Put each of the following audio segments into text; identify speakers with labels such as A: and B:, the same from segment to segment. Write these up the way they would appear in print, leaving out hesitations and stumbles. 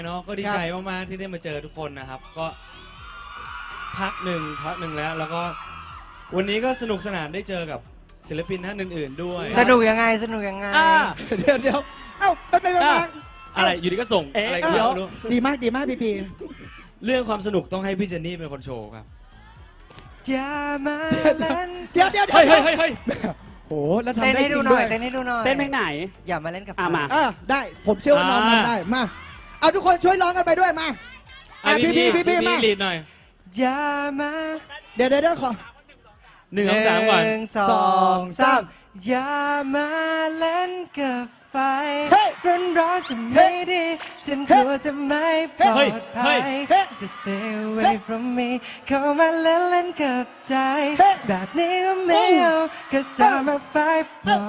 A: เนาะก็ดีใจมากๆที่ได้มาเจอทุกคนนะครับก็พักหนึ่งแล้วก็วันนี้ก็สนุกสนานได้เจอกับศิลปินท่านอื่นๆด้วย
B: สนุกยังไง
C: เดี๋ยวเอ้าไปมา
A: อะไรอยู่ดีก็ส่งอะไรก็ไม่รู้
C: ดีมากพี่
A: เรื่องความสนุกต้องให้พี่เจนนี่เป็นคนโชว์ครับ
B: อย่ามาเล่น
C: เดี๋ยว
A: เฮ้ย
C: โอ้แล้วทำ
B: เต้น
C: ได้
B: ให้
C: จ
B: ดู
C: ริง
B: หน่
C: ด้
B: อ
C: วย ย
B: เต้นให้ดูหน่อย
D: เต้นเพลงไหน
B: อย่ามาเล่นกับ
D: มา
C: ได้ผมเชื่อว่าน้องทำได้มาเอาทุกคนช่วยร้องกันไปด้วยมาพี่มา
A: ลีดหน่อย
B: อย่ามา
C: เดี๋ยวขอ
A: 1 2 3ก่อน
B: 1 2 3อย่ามาเล่นกับไฟร้อนจะไม่ดีฉันกลัวจะไม่ปลอดภัย Just stay away from me เข้ามาเล่นกับใจแบบนี้ก็ไม่เอา Cause I'm a fight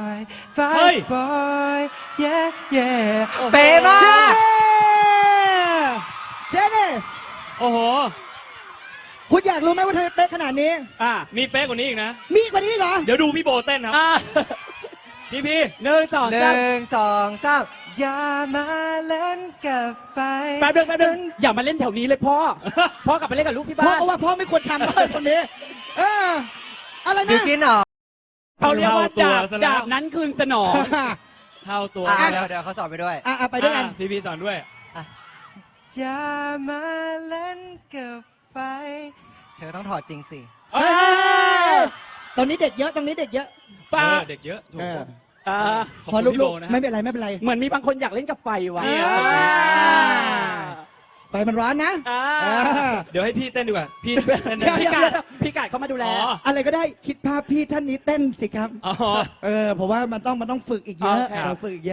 B: boy yeah เป๊ะมาก
C: เชนนี่
A: โอ้โห
C: คุณอยากรู้ไหมว่าเธอเป๊ะขนาดนี้
A: มีเป๊ะกว่านี้อีกนะ
C: มีกว่านี้เหรอ
A: เดี๋ยวดูพี่โบเต้นครับพี่
D: 1 2 3
B: 1 2 3อย่ามาเล่นกับไฟ
D: แป๊บนึงอย่ามาเล่นแถวนี้เลยพ่อกลับไปเล่นกับลูกที่
C: เพ
D: บ้าน
C: ราะว่าพ่อไม่ควรทำเลยคนนี้อะไร
B: ดู
C: นะ
B: กินเหรอ
D: เขาเรียกว่าดาบนั้นคืนสนอง
A: เข้าตัว
B: เดี๋ยวเขาสอนไปด้วย
C: ไปด้วยกัน
A: พี่สอนด้วย
B: อย่ามาเล่นกับไฟเธอต้องถอดจริงสิ
C: ตรงนี้เด็กเยอะ
D: ป้า
A: เด็กเยอะถูก ขอบ
C: พอ
A: คุณพี่
C: ลู
A: โบ
C: ก
A: นะ
C: ๆไม่เป็นไร
D: เหมือนมีบางคนอยากเล่นกับไฟวะ
C: ไฟมันร้อนนะ
A: เดี๋ยวให้พี่เต้นดีกว่า พี่เต้น
D: พี่กาดเข้ามาดูแล
C: อะไรก็ได้คิดภาพพี่ท่านนี้เต้นสิครับ
A: อ๋อ
C: เพราะว่ามันต้องฝึกอีกเยอะ
D: โอเค
C: ฝึกอีกเยอะ